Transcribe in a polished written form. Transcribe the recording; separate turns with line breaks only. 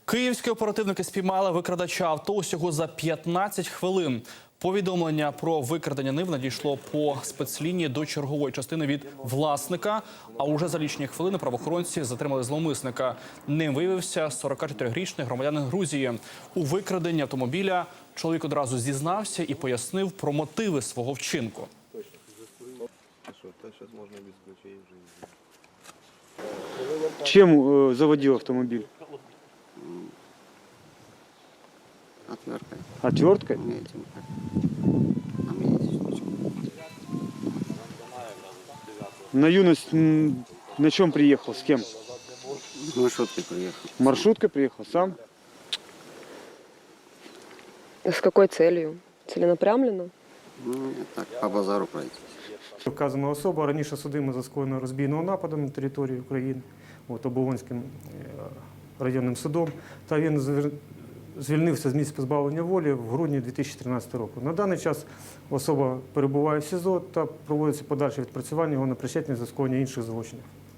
Київські оперативники спіймали викрадача авто усього за 15 хвилин. Повідомлення про викрадення нив надійшло по спецлінії до чергової частини від власника, а уже за лічені хвилини правоохоронці затримали зловмисника. Ним виявився 44-річний громадянин Грузії. У викраденні автомобіля чоловік одразу зізнався і пояснив про мотиви свого вчинку.
Чем заводил автомобиль?
Отверткой.
Отверткой?
Этим, а мне эти штучки.
На юность на чем приехал? С кем?
С маршруткой приехал.
Маршруткой приехал? Сам?
С какой целью? Целенаправленно?
Ну, так, по базару пройти.
Вказана особа раніше судима за скоєною розбійного нападу на території України Оболонським районним судом, та він звільнився з місця позбавлення волі в грудні 2013 року. На даний час особа перебуває в СІЗО та проводиться подальше відпрацювання його на причетність за скоєння інших злочинів.